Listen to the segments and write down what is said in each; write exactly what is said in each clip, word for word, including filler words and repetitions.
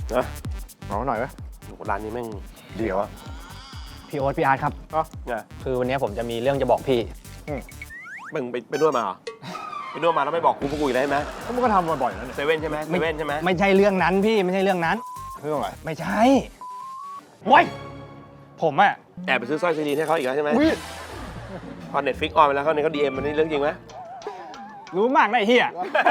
นะเอาหน่อยไหมร้านนี้แม่งเดี๋ยวอะพี่โอ๊ตพี่อาร์ตครับอ๋อไงคือวันนี้ผมจะมีเรื่องจะบอกพี่มึงไปไปนวดมาเหรอไปนวดมาแล้วไม่บอกกูพวกกูอีกได้ไหมก็มันก็ทำบ่อยๆนั่นเซเว่นใช่ไหมเซเว่นใช่ไหมไม่ใช่เรื่องนั้นพี่ไม่ใช่เรื่องนั้นเรื่องอะไรไม่ใช่โว้ยผมอะแอบไปซื้อสร้อยซีดีให้เขาอีกแล้วใช่ไหมอุ้ยพอเน็ตฟิกออนไปแล้วเขาเนี่ยเขาดีเอ็มมันนี่เรื่องจริงไหมรู้มากนะไอ้เฮีย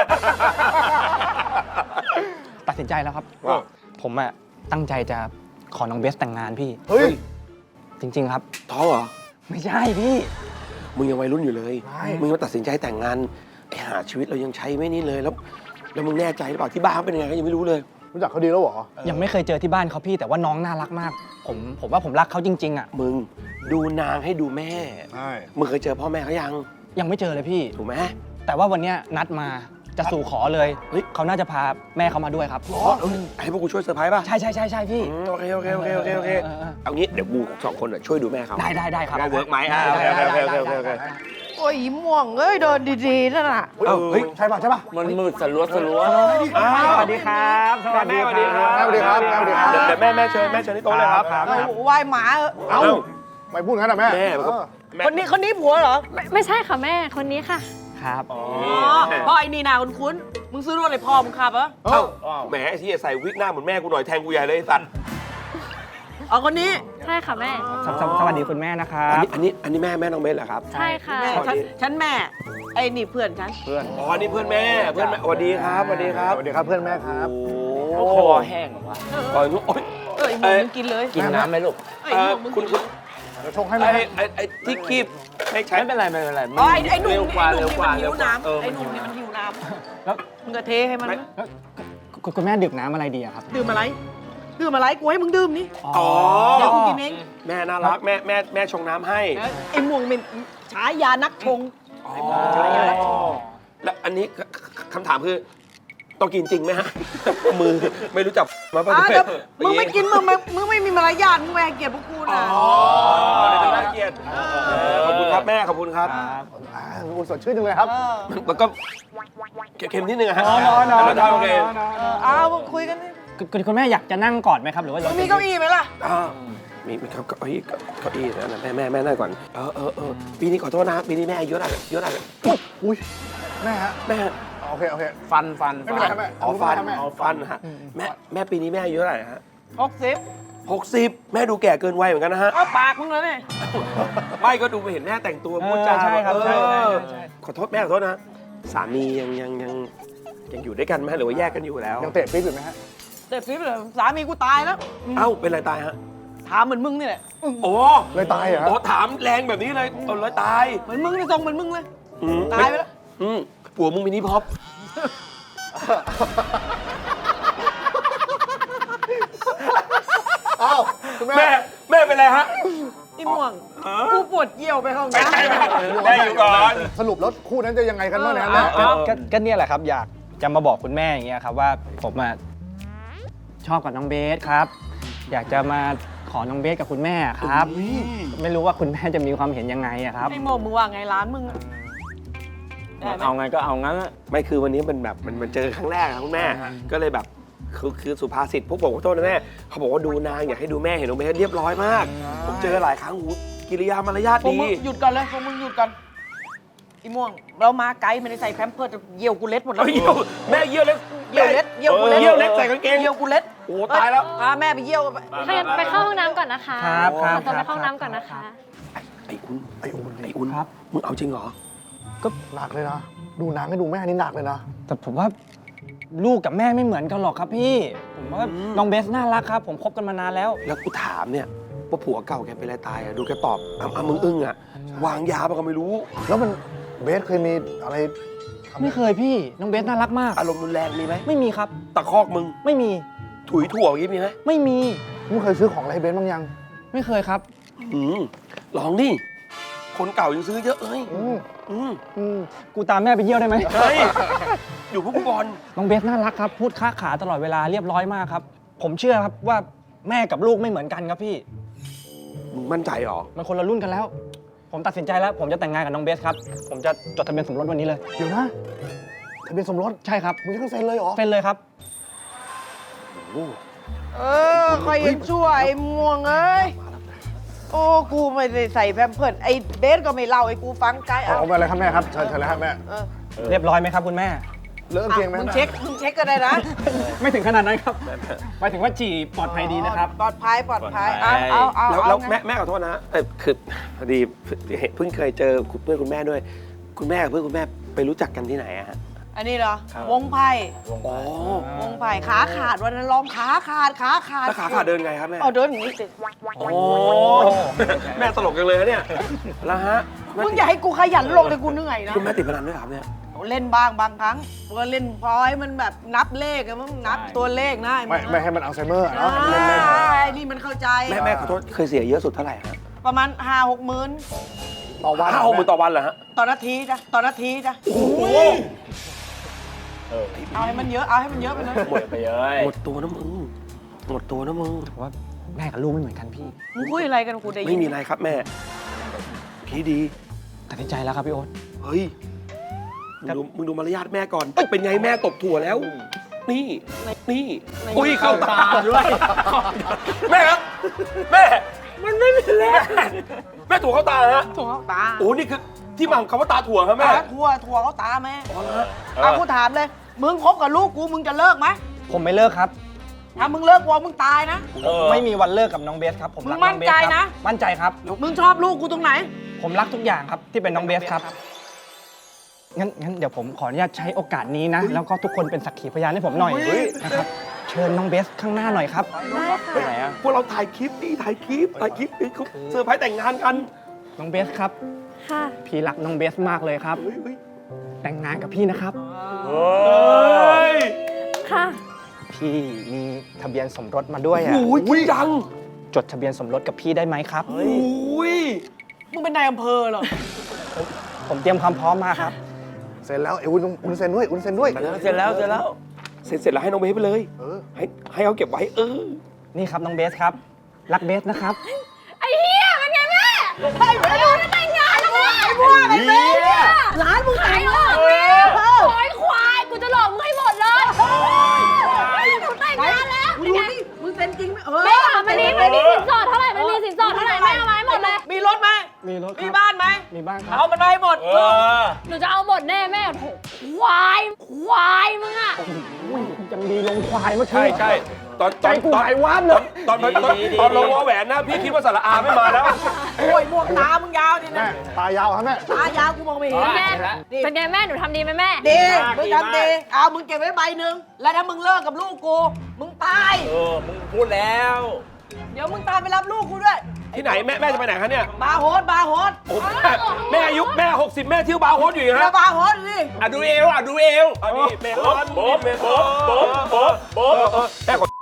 ตัดสินใจแล้วครับว่าผมอะตั้งใจจะขอน้องเบสแต่งงานพี่เฮ้ยจริง ๆ ครับท้องเหรอไม่ใช่พี่มึงยังวัยรุ่นอยู่เลยไม่มึงมาตัดสินใจแต่งงานไอ้หาชีวิตเรายังใช้ไม่นี่เลยแล้วแล้วมึงแน่ใจหรือเปล่าที่บ้านเขาเป็นยังไงก็ยังไม่รู้เลยรู้จักเขาดีแล้วเหรอยังไม่เคยเจอที่บ้านเขาพี่ แต่ว่าน้องน่ารักมาก ผมผมว่าผมรักเขาจริงๆอะมึงดูนางให้ดูแม่ใช่มึงเคยเจอพ่อแม่เขายังยังไม่เจอเลยพี่ถูกไหมแต่ว่าวันเนี้ยนัดมาจะสู่ขอเลยเฮ้ยเขาน่าจะพาแม่เขามาด้วยครับอ๋อเอ้ยให้พวกกูช่วยเซอร์ไพรส์ป่ะใช่ใช่ใช่ใช่พี่อืมโอเคโอเคโอเคโอเคโอเคเออเออเอางี้เดี๋ยวกูสองคนน่ะช่วยดูแม่เขาได้ได้ได้ครับว่าเวิร์กไหมอ่ะโอเคโอเคโอเคโอเคโอเคโอเคโอ้ยอีม่วงเอ้ยเดินดีๆนั่นน่ะเอ้าเฮ้ยใช่ป่ะใช่ป่ะมันมืดสลัวสลัวอ้าวสวัสดีครับสวัสแม่ดีสวัสดีครับแม่สวัสดีครับแม่สวัสดีครับเดี๋ยวเดี๋ยวแม่แม่เชิญแม่เชิญที่โต๊ะเลยครับเอ้ยไหวายหมาเออเอ้าไม่พูดงั้นนะแม่แม่มันก็เออแม่คนนี้คนนี้ผัวเหรอไม่ไม่ใช่ค่ะแม่คนนี้ค่ะครับอ๋อพ่อไอ้นี่นาคุณคุ้นๆมึงซื้อรถอะไรพ่อมึงขับเหรอเอ้าแหมไอ้ที่ใส่วิกหน้าเหมือนแม่กูหน่อยแทงกูใหญ่เลยไอ้สัตว์เอาคนนี้ใช่ค่ะแม่สวสวสวัสดีคุณแม่นะครัอันบนี้อันนี้อันนี้แม่แม่น้องเบสเหรอครับใช่ค่ะแม่สวัสดีฉันฉันแม่ ไอ้นี่เพื่อนฉันเพื่อนอ๋อนี่เพื่อนแม่เพื่อนแม่สวัสดีครับสวัสดีครับสวัสดีครับเพื่อนแม่ครับโอ้คอแห้งว่ะก่อนโอ้ยเอ้ยม่วงมึงกินเลยกินน้ำไหมลูกเอ้ยเอ่อม่วงมึงคุณกินคุณเดี๋ยวชงให้ไอ้แม่ไอ้ไอ้ที่คีบให้ใช้ไม่เป็นไรไม่เป็นไรอ๋อไอ้ไอ้หนุ่มเร็วนี่กว่าไอ้หเร็นุ่วมกว่านี่มันหิเร็ววกว่าน้ำเออไอ้หนุ่มนี่มันหิวน้แล้วำมึงก็เทให้มันคุณคุณแม่ดื่มน้ำอะไรดีอะครับดื่มอะไรดื่มอะไรกูให้มึงดื่มนี่อ๋อเดี๋ยวกูกินเองแม่น่ารักแม่แม่แม่ชงน้ำให้ไอ้ม่วงเป็นฉายานักชงอ๋อแล้วอันนี้คคำถามคือต้องกินจริงไหมฮะ มือไม่รู้จักมาป่ะอ่ะเนี่ยเดี๋ยวมึงไม่กินมึงไม่มึงไม่มีมารยาทมึงแหวกเกียรติพวกกูอ๋อนะเดี๋ยวจะน่าเกลียดเออขอบคุณครับแม่ขอบคุณครับอ่าอุ่นสดชื่นจังเลยครับเออแล้วก็เค็มๆนิดนึงอะฮะอ๋ออ๋ออ๋อแล้วทำโอเคเออเอามึงคุยกันดิคุณคุณคุณแม่อยากจะนั่งก่อนไหมครับหรือว่ามึงมีเก้าอี้ไหมล่ะอ่ามีมีครับเก้าอี้เก้าอี้นะแม่แม่แม่นั่งก่อนเออเออเออปีนี้ขอโทษนะปีนี้แม่อายุเท่าไหร่อายุเท่าไหร่อุ้ยแม่ฮะแม่โอเคโอเคฟันฟันไม่เป็นไรครับแม่อ๋อฟันแม่อ๋อฟันฮะแม่แม่ปีนี้แม่อายุเท่าไหร่ฮะหกสิบหกสิบแม่ดูแก่เกินวัยเหมือนกันนะฮะเอาปากมึงเลยเนี่ยไม่ก็ดูไปเห็นแม่แต่งตัวพูดจาใช่ครับเอใช่ใช่อใช่ขอโทษแม่ขอโทษนะสามียังยังยังยังอยู่ด้วยกันไหมหรือว่าแยกกันอยู่แล้วยังเตะปี๊บอยู่ไหมฮะเด็ดฟิปเลยสามีกูตายแล้วเอ้าเป็นไรตายฮะถามเหมือนมึงนี่แหละโอ้เลยตายเหรอฮะโอ้ถามแรงแบบนี้เลยเอาเลยตายเหมือนมึงนี่ทรงเหมือนมึงเลยอืมตายไปแล้วอืมผัวมึงมินิพ็อปเอ้าคุณแม่แม่แม่เป็นไรฮะอีม่วงกูปวดเยี่ยวไปห้องน้ำแม่อยู่ก่อนสรุปแล้วคู่นั้นจะยังไงกันบ้างเนะเอแม่อก็ก็ก็เนี่ยแหละครับ อยากจะมาบอกคุณแม่อย่างเงี้ยครับว่าผมอะชอบกับน้องเบสครับ อยากจะมาขอน้องเบสกับคุณแม่ครับ ไม่รู้ว่าคุณแม่จะมีความเห็นยังไงอะครับไอ้โมมึงว่าไงร้านมึงอะได้ไหมเอาไงก็เอางั้นอะไม่คือวันนี้มันแบบมันมันเจอครั้งแรกอะคุณแม่ ก็เลยแบบคือคือสุภาษิตพวกผมขอโทษนะแม่เขาบอกว่าดูนางอยากให้ดูแม่เห็นน้องเบสเรียบร้อยมาก ผมเจอหลายครั้งหูกิริยามารยาทพวกดีมึงหยุดก่อนเลยพวกมึงหยุดก่อนอีม่วง เรามาไกด์ไม่ได้ใส่แพมเพิร์ดเยี่ยวกูเล็ดหมดแล้วเอ้ยเยี่ยวแม่เยี่ยวเล็กเยี่ยวเล็ดเยี่ยวกูเล็ดเยี่ยวเล็กใส่กางเกงเยี่ยวกูเล็ดโอ้ตายแล้วพาแม่ไปเยี่ยวกันไปถ้างั้นไปเข้าห้องน้ำก่อนนะคะครับครับขอตัวครัไปบเข้าห้องน้ำก่อนนะคะไอ้อุ่นไอ้อุ่นไอ้อุ่นครับมึงเอาจริงเหรอก็หนักเลยนะ ดูหนังให้ดูแม่นี่หนักเลยนะแต่ผมว่าลูกกับแม่ไม่เหมือนกันหรอกครับพี่ ผมว่าน้องเบสน่ารักครับ ผมคบกันมานานแล้วแล้วกูถามเนี่ยว่าผัวเก่าแกเป็นอะไรตายอะดูแกตอบอ่ะอ่ะมึงอึ้งอะวางยาปะก็ไม่รู้แล้วมันเบสเคยมีอะไรทำไม่เคยพี่น้องเบสน่ารักมากอารมณ์รุนแรงมีไหมไม่มีครับตะคอกมึงไม่มีถุยถั่วอย่างงี้มีไหมไม่มีมึงเคยซื้อของอะไรให้เบสบ้างยังไม่เคยครับอืมลองดิคนเก่ายังซื้อเยอะเลยอืมอืมอืมกูตามแม่ไปเยี่ยวได้ไหมเฮ้ยอยู่พวกกูบอลน้องเบสน่ารักครับ พูดค้าขาตลอดเวลาเรียบร้อยมากครับ ผมเชื่อครับว่าแม่กับลูกไม่เหมือนกันครับพี่มึงมั่นใจเหรอมันคนละรุ่นกันแล้ว ผมตัดสินใจแล้ว ผมจะแต่งงานกับน้องเบสครับ ผมจะจดทะเบียนสมรสวันนี้เลยเดี๋ยวนะทะเบียนสมรสใช่ครับมึงจะต้องเซ็นเลยเหรอเป็นเลยครับโอ้เออคอยยังชั่วไอ้ม่วงเอ้ย โอ้ กูไม่ได้ใส่แพมเพิร์สไอ้เบสก็ไม่เล่าไอ้กูฟังไกด์เอาเอาเอาไปเลยครับแม่ครับเชิญเชิญเลยครับแม่เออเรียบร้อยไหมครับคุณแม่เริ่มเตียงไหมมึงเช็ค มึงเช็คก็ได้นะไม่ถึงขนาดนั้นครับหมายถึงว่าจีปลอดภัยดีนะครับปลอดภัย ปลอดภัย เอาเอาเอาแล้วเอาแล้วไงแม่แม่ขอโทษนะเออคือพอดีเพิ่งเคยเจอเพื่อนคุณแม่ด้วย คุณแม่กับเพื่อนคุณแม่ไปรู้จักกันที่ไหนอะฮะอันนี้เหรอ วงไพ่อ๋อวงไพ่ขาขาดวันนั้นร้องขาขาด ขาขาดแล้วขาขาเดินไงครับแม่เอาเดินอย่างนี้สิโอ้แม่ตลกจังเลยนะเนี่ยแล้วฮะมึงอย่าให้กูขยันลงเลยกูเหนื่อยนะคุณแม่ติดพนันด้วยเหรอครับเนี่ยเล่นบ้างบางครั้งก็เล่นพอให้มันแบบนับเลขอะมึงนับตัวเลขนะไม่ไม่ให้มันอัลไซเมอร์อะอ่าเนาะเล่นเล่นไอ้นี่มันเข้าใจแม่แม่ขอโทษเคยเสียเยอะสุดเท่าไหร่ฮะประมาณห้าหกหมื่นต่อวันห้าหกหมื่นต่อวันเหรอฮะต่อนาทีจ้ะต่อนาทีจ้ะโอ้โหเอาให้มันเยอะ เอาให้มันเยอะไปเลยหมดไปเลยหมดตัวนะมึงหมดตัวนะมึงว่าแม่กับลูกไม่เหมือนกันพี่มึงคุยอะไรกันกูได้ยินไม่มีอะไรครับแม่พี่ดีตัดสินใจแล้วครับพี่โอ๊ตเฮ้ย มึงดูมึงดูมารยาทแม่ก่อน เป็นไงแม่ตบถั่วแล้ว นี่ นี่ อุ้ยเข้าตาด้วย แม่ครับ แม่ มันไม่มีแล้ว แม่ถั่วเข้าตาฮะถั่วเขาตาโอ้นี่คือที่มาของคำว่าตาถั่วครับแม่ตาถั่วถั่วเขาตาแม่เอากูถามเลย มึงคบกับลูกกูมึงจะเลิกไหมผมไม่เลิกครับถ้ามึงเลิกกูมึงตายนะเออไม่มีวันเลิกกับน้องเบสครับ ผมรักมึงมั่น้นองเบสใจครันะมั่นใจครับมึงชอบลูกกูตรงไหนผมรักทุกอย่างครับที่เป็นน้องเบสครับ งั้นงั้นเดี๋ยวผมขออนุญาตใช้โอกาสนี้นะ แล้วก็ทุกคนเป็นสักขีพยานให้ผมหน่อยเฮ้ยนะครับ เชิญน้องเบสข้างหน้าหน่อยครับได้ค่ะไปไหนอ่ะพวกเราถ่ายคลิปดิถ่ายคลิป ถ่ายคลิปนี่เขาเซอร์ไพรส์แต่งงานกันน้องเบสครับค่ะพี่รักน้องเบสมากเลยครับเฮ้ยเฮ้ยแต่งงานกับพี่นะครับโอ้เฮ้ยค่ะพี่มีทะเบียนสมรสมาด้วยอ่ะโอ้ยจริงจังจดทะเบียนสมรสกับพี่ได้ไหมครับโอ้ยมึงเป็นนายอำเภอเหรอผมเตรียมความพร้อมมาครับเสร็จแล้วเอ้ยอุ้นอุ้นเซ็นด้วยอุ้นเซ็นด้วยเสร็จแล้วเสร็จแล้วเสร็จเสร็จแล้วให้น้องเบสไปเลยเออให้ให้เขาเก็บไว้ เออนี่ครับน้องเบสครับ รักเบสนะครับไอ้เหี้ยเป็นไงแม่ไอ้พวกจะแต่งงานแล้วแม่ไอ้พวกไอ้แม่ร้านมึงขายหลอกแม่โอยควาย กูจะหลอกมึงให้หมดเลยกูแต่งงานแล้วมึงดูนี่มึงเซ็นจริงไหมเออแม่ค่ะมันนี้มันมีสินสอดเท่าไหร่ มันมีสินสอดเท่าไหร่แม่เอามาให้หมดเลยมีรถไหมมีรถคมีรับบ้านไหมมีบ้างครับเอามันมาให้หมดเออหนูจะเอาหมดแน่แม่โถควาย ควายมึงอะยังดีลงควายเมื่อใช่กี้ใช่ตอนตใจอนกูตอนหายวาบเลยตอนตอนตอนตอนลงวอแหวนนะ พี่คิดว่าสระอาไม่มาแล้วโอ้ยหมวกตามึงยาวดิแม่นะตายาวครับแม่ตายาวกูมองไม่เห็นแม่เป็นไงแม่ หนูทำดีไหมแม่ดีมึงทำดี เอามึงเก็บไว้ใบหนึ่ง แล้วถ้ามึงเลิกกับลูกกู มึงตายเออ มึงพูดแล้วเดี๋ยวมึงตามไปรับลูกกูด้วยที่ไหนแม่แม่จะไปไหนคะเนี่ยบาร์โฮสบาร์โฮสโอ้แม่แม่อายุแม่หกสิบแม่เที่ยวบาร์โฮสอยู่อีกแล้ฮะวบาร์โฮสดิอ่ะดูเอวอ่ะดูเอวอันนี้เมลอนโบ๊ะเมลโบ๊ะอนโบ๊ะโบ๊ะโบ๊ะเออเออแม่ขอ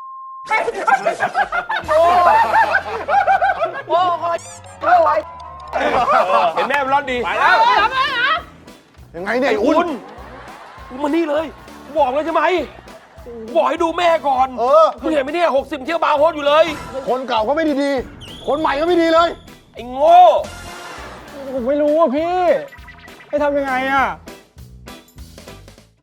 โอ้โหโอ้ยเห็นแม่เมลอนดีไปแล้วยังไงเนี่ยไอ้ไอ้อุ้อุ่นนมานี่เลย บอกเลยใช่ไหมบอกให้ดูแม่ก่อนเออมึงเห็นไหมเนี่ยหกสิบเที่ยวบาร์โฮสอยู่เลยคนเก่าก็ไม่ดีดีๆคนใหม่ก็ไม่ดีเลยไอ้โง่ผมไม่รู้อ่ะพี่ ให้ทำยังไงอ่ะ